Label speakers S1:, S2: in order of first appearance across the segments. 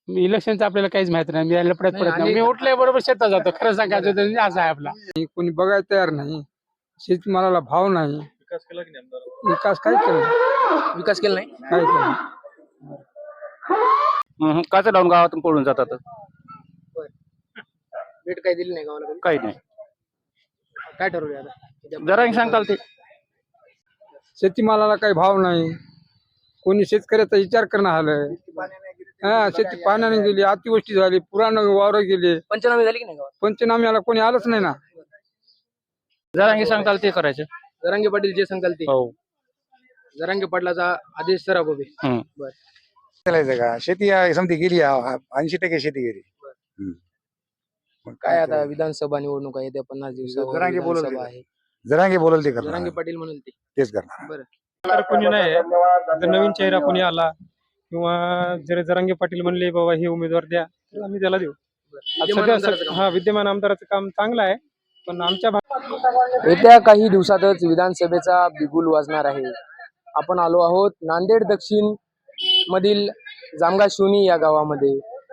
S1: इलेक्शनचं आपल्याला काहीच माहित नाही. मी लपड्यात पडत नाही. मी उठल्याबरोबर शेतात जातो. खरं सांगायचं तर म्हणजे असं आहे आपला.
S2: कोणी बघायला तयार नाही. शेतमालाला भाव नाही.
S3: विकास केला की नाही आमदार?
S2: विकास काय केला?
S4: विकास केला नाही.
S2: काय केला?
S5: काचा डाऊन गावातून पळून जातात.
S4: भेट काही दिली नाही गावाला कधी?
S5: काही नाही.
S4: काय ठरवले आता?
S5: जरा सांगताल ते.
S2: शेतीमालाला काही भाव नाही. कोणी शेतकऱ्याचा विचार करणं आलं. शेती पाण्याने गेली, अतिवृष्टी झाली, पुरानं वावर गेले.
S4: पंचनामे झाले की नाही गावात?
S2: पंचनाम्याला कोणी आलंच नाही ना.
S5: जरा सांगताल ते करायचं.
S4: जरांगे पाटील जे सांगाल ते.
S5: हो.
S4: जरांगे पाटलाचा आदेश सराब उभे. बर.
S6: चालायचं का? शेती समती गेली 80% शेती गेली. मग
S4: काय आता विधानसभा निवडणुका येत्या 50 दिवसावर.
S6: जरांगे बोलल
S4: विधानसभा आहे.
S6: जरांगे बोलल ते करणार.
S4: जरांगे पाटील म्हणून ते
S6: तेच करणार.
S4: बरं.
S3: तर कोणी नाही. जर नवीन चेहरा कोणी आला किंवा जर जरांगे पाटील म्हणले बाबा हे उमेदवार द्या तर आम्ही त्याला देऊ. विद्यमान आमदाराचं काम चांगलं आहे. पण आमच्या
S4: येत्या काही दिवसातच विधानसभेचा बिगुल वाजणार आहे. आपण आलो आहोत नांदेड दक्षिण मधील जामगा शिवणी या गावामध्ये.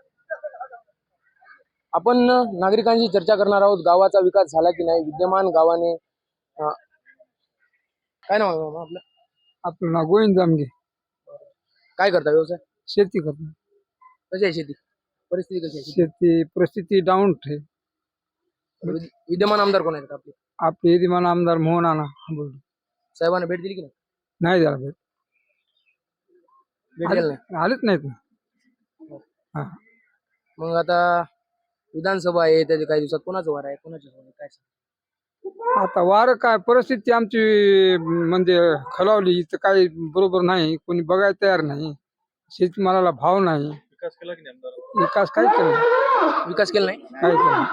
S4: आपण नागरिकांशी चर्चा करणार आहोत. गावाचा विकास झाला की नाही. विद्यमान गावाने काय नाव आहे आपलं?
S2: आपलं नाव गोविंद जामगे.
S4: काय करता व्यवसाय?
S2: शेती करतो.
S4: कशी आहे शेती परिस्थिती? कशी आहे
S2: शेती परिस्थिती डाऊन आहे.
S4: विद्यमान आमदार कोण आहेत आपले?
S2: आपले विद्यमान आमदार मोहन आना
S4: साहेबांना भेट दिली की नाही?
S2: नाही द्यायला भेट.
S4: भेट दिली नाही.
S2: आलेच नाहीत ना.
S4: मग आता विधानसभा आहे त्याच्या काही दिवसात कोणाचं वार आहे कोणाचं वार आहे काय सांग?
S2: आता वार काय परिस्थिती आमची म्हणजे खलावली तर काही बरोबर नाही. कोणी बघायला तयार नाही. शेतमालाला भाव नाही.
S3: विकास केला की नाही आमदार?
S2: विकास काय केला?
S4: विकास केला नाही.
S2: काय केला?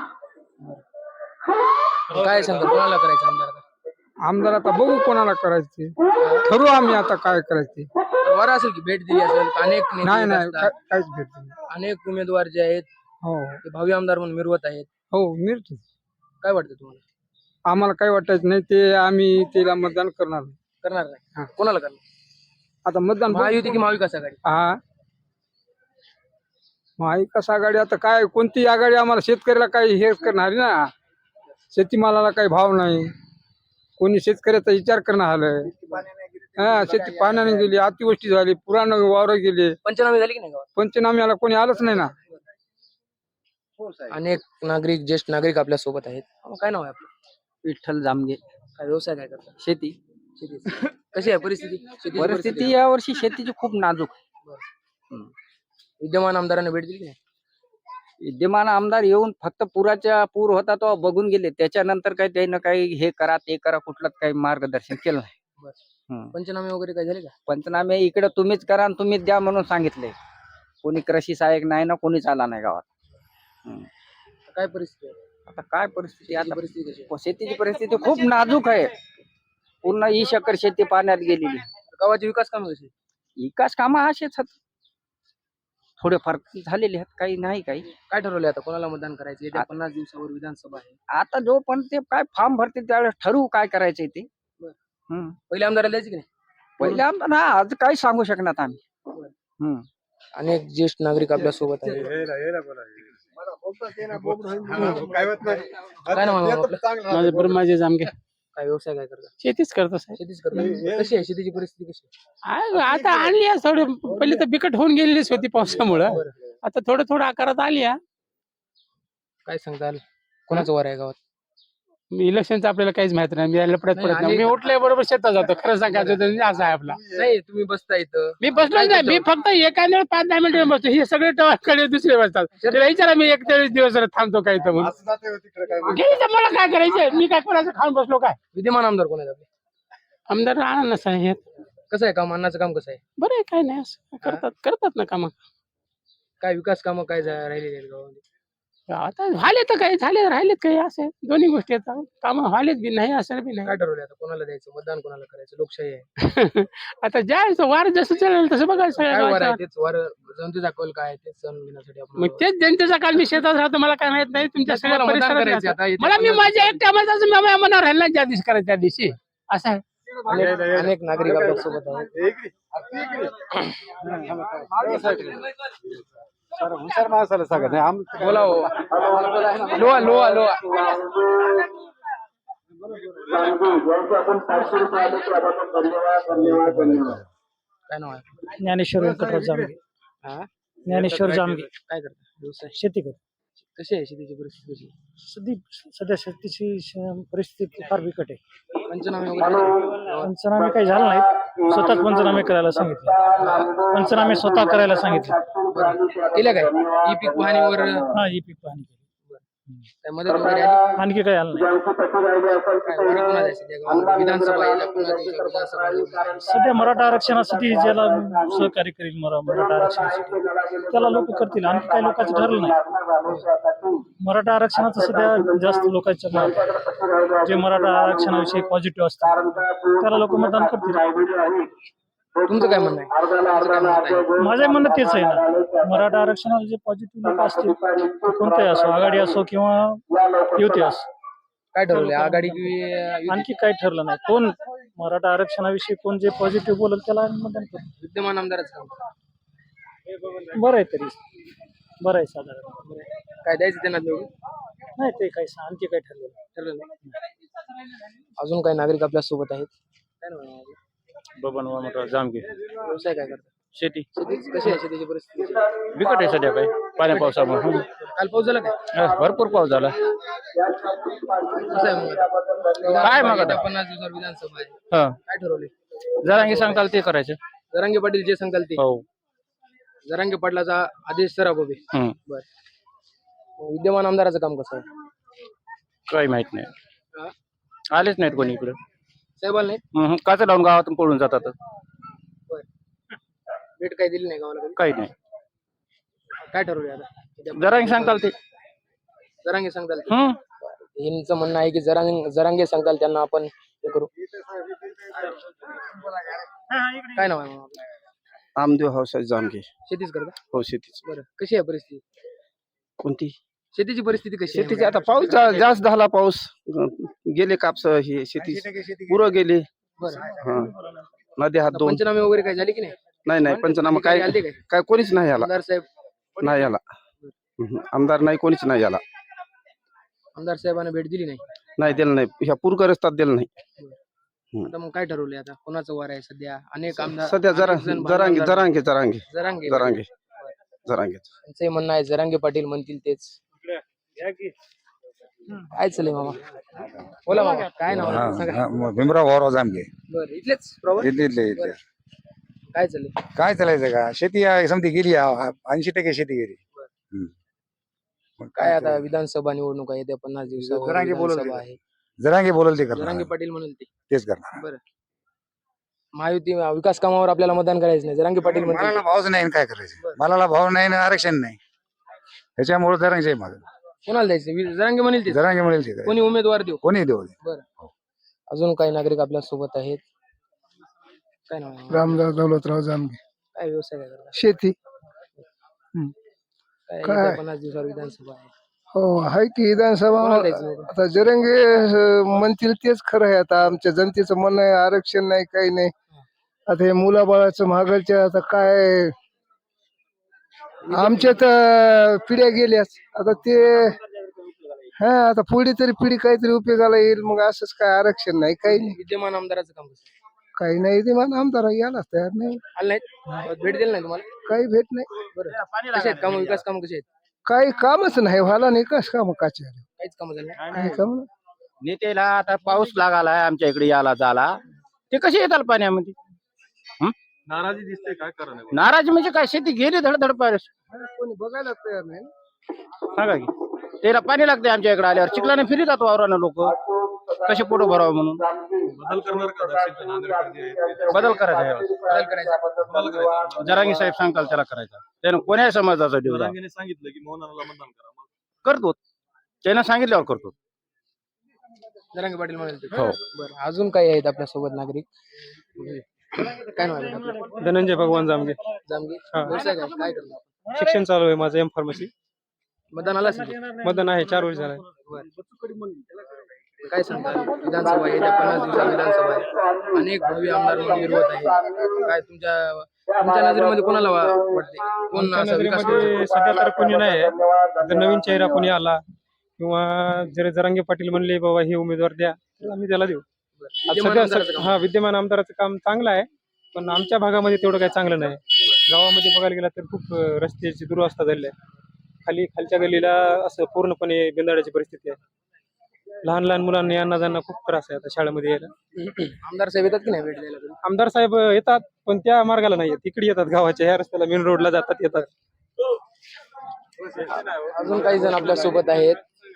S4: काय सांगतो कोणाला करायचं आमदार?
S2: आमदार आता बघू कोणाला करायचे. ठरवू आम्ही आता काय करायचे.
S4: वार असेल की भेट दिली असेल. अनेक नेते
S2: नाही नाही
S4: असतात.
S2: काहीच भेट नाही.
S4: अनेक उमेदवार जे आहेत
S2: हो
S4: ते भावी आमदार म्हणून मिरवत आहेत.
S2: हो मिळते.
S4: काय वाटतं तुम्हाला?
S2: आम्हाला काही वाटायचं नाही. ते आम्ही त्याला मतदान करणार नाही.
S4: करणार नाही. कोणाला करणार?
S2: आता मतदान
S4: महायुती की महाविकास आघाडी?
S2: हा महाविकास आघाडी. आता काय कोणती आघाडी आम्हाला शेतकऱ्याला काही हे करणार ना. शेतीमालाला काही भाव नाही. कोणी शेतकऱ्याचा विचार करणार आलं. शेती पाण्याने गेली, अतिवृष्टी झाली, पुरानं वावर गेले.
S4: पंचनामे झाले की नाही गावात?
S2: पंचनाम्याला कोणी आलंच नाही ना.
S4: अनेक नागरिक ज्येष्ठ नागरिक आपल्या सोबत आहेत. काय नाव आहे आपलं?
S5: विठ्ठल जामगे.
S4: काय व्यवसाय काय करता?
S5: शेती.
S4: कशी आहे परिस्थिती? शेतीची
S5: परिस्थिती यावर्षी शेतीची खूप नाजूक.
S4: विद्यमान आमदारांना भेट दिली की नाही?
S5: विद्यमान आमदार येऊन फक्त पूर होता तो बघून गेले. त्याच्यानंतर काही त्यानं काही हे करा ते करा कुठलंच काही मार्गदर्शन केलं नाही.
S4: पंचनामे वगैरे काय झाले का?
S5: पंचनामे इकडे तुम्हीच करा आणि तुम्हीच द्या म्हणून सांगितले. कोणी कृषी सहाय्यक नाही ना कोणीच आला नाही गावात.
S4: काय परिस्थिती आहे?
S5: आता काय परिस्थिती? आता
S4: परिस्थिती कशी आहे?
S5: शेतीची परिस्थिती खूप नाजूक आहे. पूर्ण 20 एकर शेती पाण्यात गेलेली.
S4: गावाचे विकास कामे कशी?
S5: विकास कामं असेच आहेत. थोडेफार झालेले आहेत. काही नाही काही.
S4: काय ठरवले आता कोणाला मतदान करायचं? येत्या 50 दिवसावर विधानसभा आहे.
S5: आता जो पण ते काय फॉर्म भरते त्यावेळेस ठरवू काय करायचंय ते.
S4: पहिले आमदाराला द्यायचे की नाही?
S5: पहिले आमदार आज काही सांगू शकणार आम्ही.
S4: अनेक ज्येष्ठ नागरिक आपल्या सोबत आहेत. काय नाव आहे आपलं?
S1: माझे ब्रह्माजी जामगे.
S4: काय व्यवसाय काय करता?
S1: शेतीच करतो साहेब.
S4: शेतीच करता. कशी आहे शेतीची परिस्थिती कशी आहे?
S1: आता आणली आहे थोडी. पहिली तर बिकट होऊन गेलेलीच होती पावसामुळं. आता थोडं आकारात आली आहे.
S4: काय सांगताल कोणाचं वार आहे गावात?
S1: इलेक्शनचं आपल्याला काहीच माहित नाही. मी लपड्यात पडत नाही. मी उठल्याबरोबर शेतात जातो. खरं सांगायचं तर म्हणजे असं आहे आपला.
S4: नाही तुम्ही बसता इथं.
S1: मी बसलो नाही. मी फक्त एका 5-10 मिनिटं बसतो. हे सगळे कडे दुसरे बसतात. त्याला विचारा मी 41 दिवस थांबतो काय तर म्हणून. घ्यायचं मला काय करायचं? मी काय कोणाचं खाऊन बसलो काय?
S4: विद्यमान आमदार कोण आहेत आपले?
S1: आमदार आणा साहेब.
S4: कसं आहे काम? अन्नाचं काम कसं आहे?
S1: बरं आहे. काय नाही असं करतात ना काम.
S4: काय विकास कामं काय राहिलेली आहेत गावामध्ये?
S1: आता झाले तर काही झाले राहिलेत काही असे दोन्ही गोष्टी आहेत. काम व्हालेत बी नाही असं बी नाही.
S4: काय ठरवलं आता कोणाला द्यायचं? मतदान कोणाला करायचं? लोकशाही आहे.
S1: आता ज्या वार जसं चालेल तसं बघायचं.
S4: काय वार आहे तेच वार जनतेचा कौल काय आहे तेच जाणून घेण्यासाठी आपण
S1: मग तेच जनतेचा काल मी शेतात राहतो. मला काय माहित नाही तुमच्या सगळ्या
S4: तुम्हाला मतदान
S1: परिसरात
S4: करायचं
S1: राहतो.
S4: आता इथे
S1: मला मी माझ्या एकट्या मनावर राहिला ज्या दिवशी करायचं त्या दिवशी असं आहे.
S4: अनेक नागरिक आपल्या सोबत आहेत.
S2: हुशार माणसाला सांगा नाही आमचं
S4: बोला हो. लोहा लोहा लोहा. काय नाव आहे?
S7: ज्ञानेश्वर व्यंकटराव जामगे.
S4: हा?
S7: ज्ञानेश्वर जामगे.
S4: काय करता व्यवसाय?
S7: शेती करतो.
S4: कशी आहे शेतीची परिस्थिती कशी आहे?
S7: सध्या शेतीची परिस्थिती फार बिकट आहे.
S4: पंचनामे वगैरे झाले?
S7: पंचनामे काही झाले नाहीत. स्वतःच पंचनामे करायला सांगितले. पंचनामे स्वतः करायला सांगितले.
S4: केल्या काय ई पीक पाहणीवर
S7: हा ही पीक पाहणी केली.
S4: काय मदत वगैरे आली?
S7: आणखी काही आलं नाही.
S4: काय वारी कोणाला आहे सध्या गावामध्ये? विधानसभा आहे, विधानसभा आहे.
S7: सध्या मराठा आरक्षणासाठी ज्याला सहकार्य करील मराठा आरक्षणासाठी त्याला लोक करतील. आणखी काही लोकांचं ठरलं नाही. मराठा आरक्षणाचं सध्या जास्त लोकांच्या मनात आहे. जे मराठा आरक्षणाविषयी पॉझिटिव्ह असतात त्याला लोक मतदान करतील.
S4: तुमचं काय म्हणणं आहे? तुमचं काय म्हणणं आहे?
S7: माझं म्हणणं तेच आहे ना, मराठा आरक्षणाला जे पॉझिटिव्ह लोक असतील ते कोणतेही असो, आघाडी असो किंवा युती असो,
S4: काय ठरवलंय आघाडी की
S7: आणखी काही ठरलं नाही. कोण मराठा आरक्षणाविषयी कोण जे पॉझिटिव्ह बोलेल त्याला आम्ही मतदान करू.
S4: विद्यमान आमदारच काम
S7: बरं आहे तरी बरं आहे साधारण.
S4: काय द्यायचं त्यांना निवडून?
S7: नाही ते काही आणखी काही ठरलं नाही.
S4: ठरलं नाही. अजून काही नागरिक आपल्या सोबत आहेत. काय नाव आहे?
S3: बबन वामनराव जामगे.
S4: व्यवसाय काय करतात?
S3: शेती
S4: शेती कशी आहे शेतीची परिस्थिती?
S3: बिकट आहे सध्या काही पाण्या पावसामुळे.
S4: काल पाऊस झाला काय?
S3: भरपूर पाऊस झाला.
S4: कसं आहे मग?
S3: काय मग आता?
S4: 50 दिवसावर विधानसभा आहे.
S3: हा
S4: काय ठरवले?
S3: जरांगी सांगताल ते करायचं.
S4: जरांगे पाटील जे सांगाल ते.
S3: हो.
S4: जरांगे पाटलाचा आदेश सराब उभे.
S3: हम्म.
S4: बर. विद्यमान आमदाराचं काम कसं आहे?
S3: काही माहित नाही.
S4: हा?
S3: आलेच नाहीत कोणी इकडे.
S4: साहेबाला नाही?
S3: काच लावून गावातून पळून जातात.
S4: बर. भेट काही दिली नाही गावाला कधी?
S3: काही नाही.
S4: काय ठरवले आता?
S3: जरांगी सांगताल ते.
S4: जरांगे सांगताल ते. यांचं म्हणणं आहे की जरांगे सांगताल त्यांना आपण हे करू. काय नाव आहे मग आपलं?
S8: आमदेव हाऊसाहेब जामगे.
S4: शेतीच करता?
S8: हो शेतीच.
S4: बरं. कशी आहे परिस्थिती?
S8: कोणती
S4: शेतीची परिस्थिती कशी आहे?
S8: शेतीची? आता पाऊस जास्त झाला. पाऊस गेले कापस हे शेती पुरं गेले.
S4: बरं.
S8: हा नद्या हात दोन.
S4: पंचनामे वगैरे काय झाली की नाही?
S8: नाही पंचनामा काय
S4: आलते काय?
S8: काय कोणीच नाही आला.
S4: आमदार साहेब
S8: नाही आला. आमदार नाही कोणीच नाही आला.
S4: आमदार साहेबांना भेट दिली नाही.
S8: नाही दिलं नाही. ह्या पूरग्रस्तात दिलं नाही.
S4: आता मग काय ठरवले आता? कोणाचं वार आहे सध्या? अनेक आमदार
S8: सध्या
S4: अनेक जण
S8: जरांगे
S4: भांडण
S8: जरांगे जरांगे
S4: जरांगे
S8: जरांगे जरांगे.
S4: त्यांचंही म्हणणं आहे जरांगे पाटील म्हणतील तेच. काय चालेल मामा? बोला मामा, काय नाव आहे? सांगा.
S6: भीमराव भाऊराव जामगे.
S4: बरं, इथलेच प्रॉपर?
S6: इथले
S4: काय चालेल?
S6: काय चालायचं का शेती समती गेली 80% शेती गेली. मग
S4: काय आता विधानसभा निवडणूक आहे त्या 50 दिवसावर
S6: जरांगे बोलत
S4: विधानसभा
S6: होते.
S4: आहे.
S6: जरांगे बोलल ते
S4: जरांगे
S6: करणार
S4: पाटील म्हणेल ते.
S6: तेच करणार.
S4: बरं. महायुती विकास कामावर आपल्याला मतदान करायचं नाही. जरांगे पाटील म्हणतील
S6: मालाला भावच नाही आणि काय करायचं? मालाला भाव नाही आणि आरक्षण नाही. त्याच्यामुळे जरांगे माग
S4: कोणाला द्यायचं? जरांगे म्हणेल ते.
S6: जरांगे म्हणेल ते
S4: कोणी उमेदवार देऊ?
S6: कोणी देऊ दे.
S4: बरं. अजून काही नागरिक आपल्या सोबत आहेत. काय नाव आहे?
S2: रामदास दौलतराव जामगे.
S4: काय व्यवसाय काय करता?
S2: शेती.
S4: काय येत्या 50 दिवसावर विधानसभा आहे.
S2: हो आहे की विधानसभा.
S4: कोणाला द्यायचं निवडून?
S2: आता जरंगे म्हणतील तेच खरं आहे. आता आमच्या जनतेचं म्हणणं आहे आरक्षण नाही काही नाही. आता हे मुलाबाळाचं महागाईच्या आता काय आमच्या तर पिढ्या गेल्याच. आता ते हा आता पुढे तरी पिढी काहीतरी उपयोगाला येईल. मग असंच काय आरक्षण नाही काही नाही.
S4: विद्यमान आमदाराचं काम कसं आहे?
S2: काही नाही ते मला आमदार यायलाच तयार नाही.
S4: आलं नाहीत? भेट दिली नाही तुम्हाला?
S2: काही भेट नाही.
S4: बरं. कसे आहेत काम? विकास काम कसे आहेत?
S2: काही कामच नाही व्हायला नाही. कस काम काचे
S4: काहीच काम झालं नाही.
S2: काही काम नाही.
S3: नेत्याला आता पाऊस लागालाय आमच्या इकडे याला झाला ते कसे येतात पाण्यामध्ये?
S9: नाराजी दिसते काय कारण आहे?
S3: नाराज म्हणजे काय? शेती गेली धडधड पाऊस.
S2: कोणी बघायला तयार नाही.
S3: सांगा की त्याला पाणी लागते आमच्या इकडे आल्यावर. चिखलाने फिरतात वावरानं लोक कसे पोटं भरावं म्हणून.
S9: बदल करणार का दक्षिणच्या नांदेडकडे?
S3: बदल करायचा आहे.
S4: बदल करायचा.
S9: बदल करायचा.
S3: जरांगी साहेब सांगताल त्याला करायचा. त्यानं कोण्याही समाजाचा देऊ द्या.
S9: जरांगेने सांगितलं की मोहनाला मतदान करा. मग
S3: करतो. त्यानं सांगितल्यावर करतो.
S4: जरांगे पाटील म्हणाल ते.
S3: हो.
S4: बरं. अजून काही आहेत आपल्या सोबत नागरिक? काय नाव आहे आपलं?
S3: धनंजय भगवान जामगे.
S4: जामगे. व्यवसाय काय करणार?
S3: शिक्षण चालू आहे माझं M Pharmacy.
S4: मतदान आलं असेल की?
S3: मतदान आहे 4 वर्ष झालंय.
S4: काय सांगता विधानसभा येत्या 50 दिवसात विधानसभा आहे, अनेक भव्य आमदार म्हणून विरोध आहे, काय तुमच्या नजरेमध्ये कोणाला वाटते, कोण
S3: आमच्या
S4: असा विकास करू
S3: नजरेमध्ये सध्या तर कोणी नाही आहे. जर नवीन चेहरा कोणी आला किंवा जर जरांगे पाटील म्हणले बाबा हे उमेदवार द्या तर आम्ही त्याला देऊ.
S4: शकतो?
S3: आज
S4: विद्यमान
S3: सध्या
S4: आमदाराचं काम.
S3: हा विद्यमान आमदाराचं काम चांगलं आहे, पण आमच्या भागामध्ये तेवढं काही चांगलं नाही. गावामध्ये बघायला गेला तर खूप रस्त्याची दुरवस्था झाली आहे. खालच्या गल्लीला असं पूर्णपणे बिंदाडाची परिस्थिती आहे. लहान लहान मुलांना यांना जाणं खूप त्रास आहे आता शाळेमध्ये यायला.
S4: आमदार साहेब येतात की नाही भेट द्यायला कधी?
S3: आमदार साहेब येतात पण त्या मार्गाला नाही येत, इकडे येतात गावाच्या ह्या रस्त्याला मेन रोडला जातात येतात.
S4: अजून काही जण आपल्या सोबत आहेत.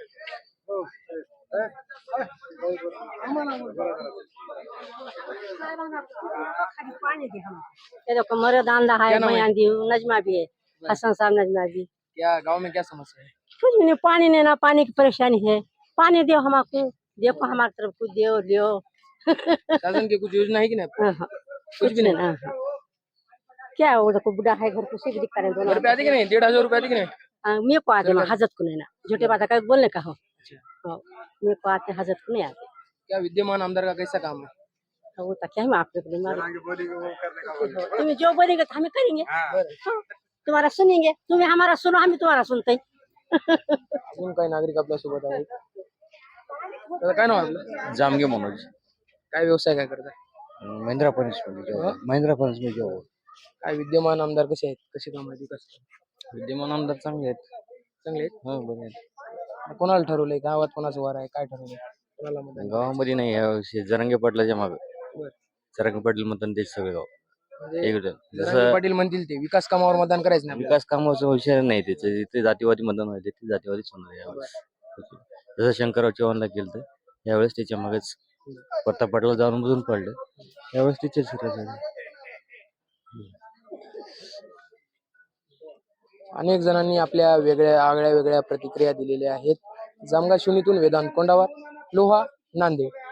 S10: ये देखो मर्द आंधा है,
S4: क्या नाम है?
S10: मैं आंधी हूँ, नजमा भी है, हसन साहब नजमा भी।
S4: क्या गांव में क्या समस्या है?
S10: कुछ भी नहीं, पानी नहीं ना, पानी की परेशानी है, पानी दो हमको, देखो हमारी तरफ कुछ दो लियो।
S4: शासन की कुछ योजना है कि नहीं?
S10: हाँ, कुछ भी नहीं ना। क्या है, वो देखो बुढ़ा है, घर को सीख दिखा रहे हैं दोनों।
S4: रुपये आते कि नहीं? 1,500 रुपये आते कि नहीं?
S10: मेरे को आते हैं, हजरत को नहीं ना, झूठे बात है बोलने का हो। हाँ, मेरे को आते, हजरत को नहीं आते।
S4: क्या विद्यमान आमदार का कैसा काम है?
S10: तो वो तो क्या हम आपके लिए मारे, तुम्हें जो बोलेंगे तो हमें करेंगे। हाँ, तुम्हारा सुनेंगे, तुम्हें हमारा सुनो, हम तुम्हारा सुनते हैं।
S4: अजून काही नागरिक आपल्या सोबत आहेत. दादा, काय नाव आहे आपलं?
S5: जामगे मनोज
S4: काय व्यवसाय काय करताय?
S5: Mahindra furniture job.
S4: काय विद्यमान आमदार कसे आहेत, कसे काम आहेत, विकास काम?
S5: विद्यमान आमदार चांगले आहेत.
S4: चांगले आहेत.
S5: हो बरे
S4: कोणाला ठरवलंय, गावात कोणाचं वार आहे, काय ठरवलंय, कोणाला मतदान?
S5: गावामध्ये नाही यावर्षी जरांगे पाटलाच्या मागे.
S4: बरं.
S5: जरांगे पाटील मतदान ते सगळे गाव
S4: म्हणजे
S5: इकडे.
S4: जरांगे
S5: जसं
S4: पाटील म्हणतील ते विकास कामावर मतदान करायचं नाही आपल्याला.
S5: विकास कामाचा विषय नाही त्याचे, जिथे जातीवादी मतदान व्हायचे ते जातीवादीच होणार यावेळेस. जसं शंकरराव चव्हाणला केलं तर यावेळेस त्याच्या मागेच प्रताप पाटला जाऊन बुजून पडले, यावेळेस तिचेच
S4: अनेक जणांनी आपल्या आगळ्या वेगळ्या प्रतिक्रिया दिलेल्या आहेत. जामगा शिवणीतून वेदांत कोंडावर, लोहा, नांदेड.